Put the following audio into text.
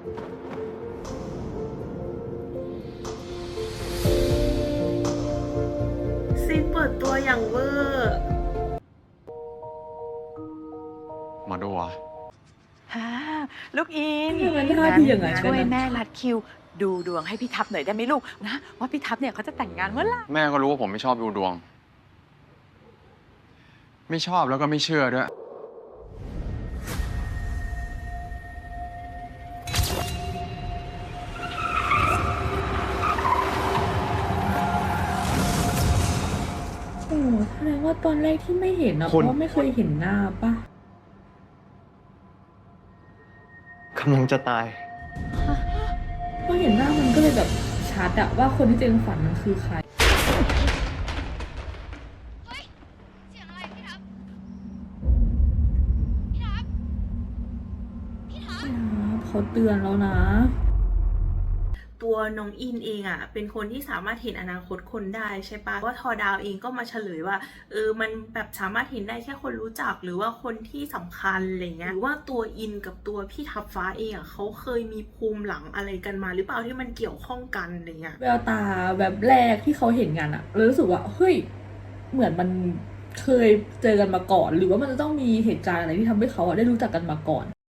ซีนเปิดตัวอย่างเวอร์มาดูอ่ะฮ่าลูกอินทำไมมันท่าทีอย่างนั้นกันนะช่วยแม่รัดคิว ดูดวงให้พี่ทัพหน่อยได้ไหมลูกนะว่าพี่ทัพเนี่ยเขาจะแต่งงานเมื่อไหร่แม่ก็รู้ว่าผมไม่ชอบดูดวง ไม่ชอบแล้วก็ไม่เชื่อด้วยโอ้แสดงว่าตอนแรกที่ไม่เห็นอะเพคุณราะว่าไม่เคยเห็นหน้าปะกำลังจะตายพอเห็นหน้ามันก็เลยแบบชัดอะว่าคนที่เจงฝันมันคือใครเสียงอะไรพี่ทับพี่ทับพี่ทับเขาเตือนแล้วนะตัวน้องอินเองอ่ะเป็นคนที่สามารถเห็นอนาคตคนได้ใช่ปะว่าทอดาวเองก็มาเฉลยว่ามันแบบสามารถเห็นได้แค่คนรู้จักหรือว่าคนที่สำคัญอะไรเงี้ยหรือว่าตัวอินกับตัวพี่ทับฟ้าเองอ่ะเขาเคยมีภูมิหลังอะไรกันมาหรือเปล่าที่มันเกี่ยวข้องกันอะไรเงี้ยแววตาแบบแรกที่เขาเห็นกันอะเลยรู้สึกว่าเฮ้ยเหมือนมันเคยเจอกันมาก่อน หรือว่ามันจะต้องมีเหตุการณ์อะไรที่ทำให้เขาอะได้รู้จักกันมาก่อน